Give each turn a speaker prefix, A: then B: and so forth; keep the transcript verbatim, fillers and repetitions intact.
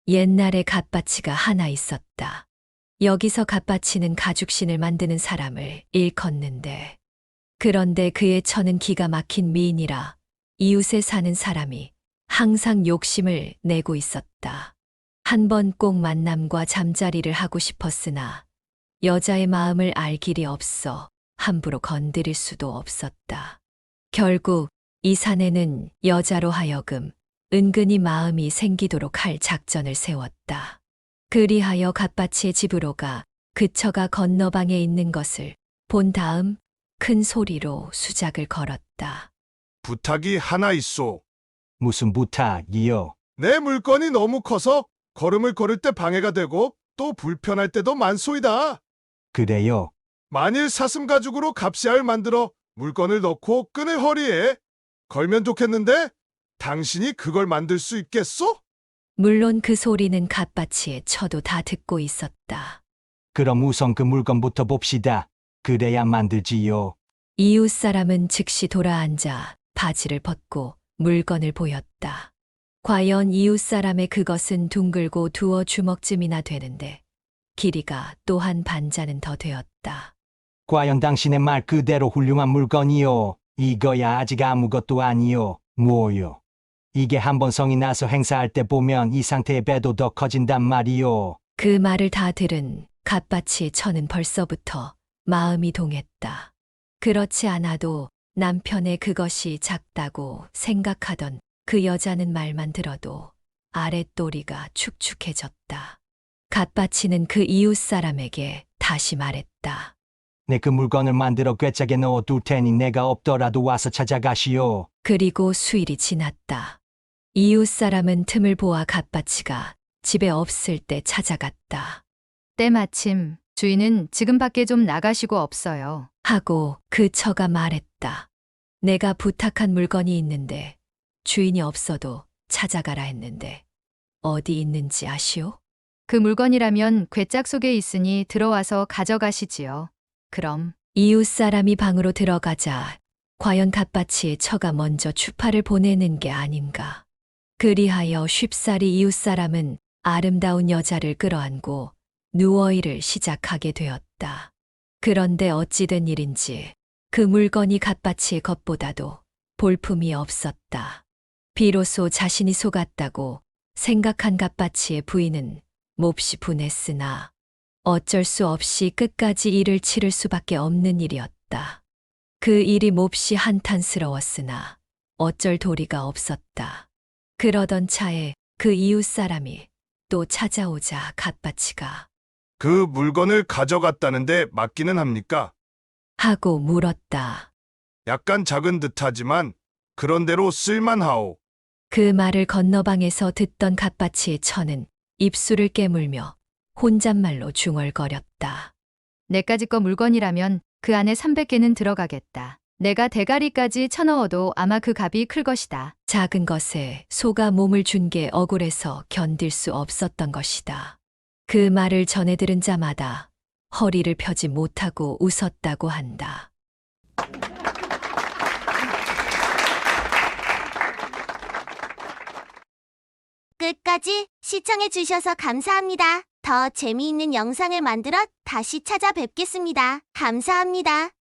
A: 옛날에 갓바치가 하나 있었다. 여기서 갓바치는 가죽신을 만드는 사람을 일컫는데, 그런데 그의 처는 기가 막힌 미인이라 이웃에 사는 사람이 항상 욕심을 내고 있었다. 한 번 꼭 만남과 잠자리를 하고 싶었으나 여자의 마음을 알 길이 없어 함부로 건드릴 수도 없었다. 결국 이 사내는 여자로 하여금 은근히 마음이 생기도록 할 작전을 세웠다. 그리하여 갓바치의 집으로 가 그 처가 건너방에 있는 것을 본 다음 큰 소리로 수작을 걸었다.
B: 부탁이 하나 있소.
C: 무슨 부탁이요?
B: 내 물건이 너무 커서 걸음을 걸을 때 방해가 되고 또 불편할 때도 많소이다.
C: 그래요?
B: 만일 사슴 가죽으로 갑시알 만들어 물건을 넣고 끈을 허리에 걸면 좋겠는데 당신이 그걸 만들 수 있겠소?
A: 물론 그 소리는 갓바치의 처도 다 듣고 있었다.
C: 그럼 우선 그 물건부터 봅시다. 그래야 만들지요.
A: 이웃 사람은 즉시 돌아앉아 바지를 벗고 물건을 보였다. 과연 이웃 사람의 그것은 둥글고 두어 주먹쯤이나 되는데 길이가 또한 반자는 더 되었다.
C: 과연 당신의 말 그대로 훌륭한 물건이요. 이거야 아직 아무것도 아니요. 뭐요? 이게 한번 성이 나서 행사할 때 보면 이 상태의 배도 더 커진단 말이요.
A: 그 말을 다 들은 갓바치의 처는 벌써부터 마음이 동했다. 그렇지 않아도 남편의 그것이 작다고 생각하던 그 여자는 말만 들어도 아랫도리가 축축해졌다. 갓바치는 그 이웃 사람에게 다시 말했다.
C: 내 그 물건을 만들어 꿰짝에 넣어둘 테니 내가 없더라도 와서 찾아가시오.
A: 그리고 수일이 지났다. 이웃 사람은 틈을 보아 갓바치가 집에 없을 때 찾아갔다.
D: 때마침 주인은 지금 밖에 좀 나가시고 없어요.
A: 하고 그 처가 말했다. 내가 부탁한 물건이 있는데 주인이 없어도 찾아가라 했는데 어디 있는지 아시오?
D: 그 물건이라면 괴짝 속에 있으니 들어와서 가져가시지요. 그럼
A: 이웃 사람이 방으로 들어가자 과연 갓바치의 처가 먼저 추파를 보내는 게 아닌가. 그리하여 쉽사리 이웃 사람은 아름다운 여자를 끌어안고 누워일을 시작하게 되었다. 그런데 어찌된 일인지 그 물건이 갓바치의 것보다도 볼품이 없었다. 비로소 자신이 속았다고 생각한 갓바치의 부인은 몹시 분했으나 어쩔 수 없이 끝까지 일을 치를 수밖에 없는 일이었다. 그 일이 몹시 한탄스러웠으나 어쩔 도리가 없었다. 그러던 차에 그 이웃 사람이 또 찾아오자 갓바치가
B: 그 물건을 가져갔다는데 맞기는 합니까?
A: 하고 물었다.
B: 약간 작은 듯하지만 그런대로 쓸만하오.
A: 그 말을 건너방에서 듣던 갓바치의 처는 입술을 깨물며 혼잣말로 중얼거렸다.
D: 내까지 거 물건이라면 그 안에 삼백 개는 들어가겠다. 내가 대가리까지 쳐넣어도 아마 그 값이 클 것이다.
A: 작은 것에 소가 몸을 준 게 억울해서 견딜 수 없었던 것이다. 그 말을 전해 들은 자마다 허리를 펴지 못하고 웃었다고 한다.
E: 끝까지 시청해주셔서 감사합니다. 더 재미있는 영상을 만들어 다시 찾아뵙겠습니다. 감사합니다.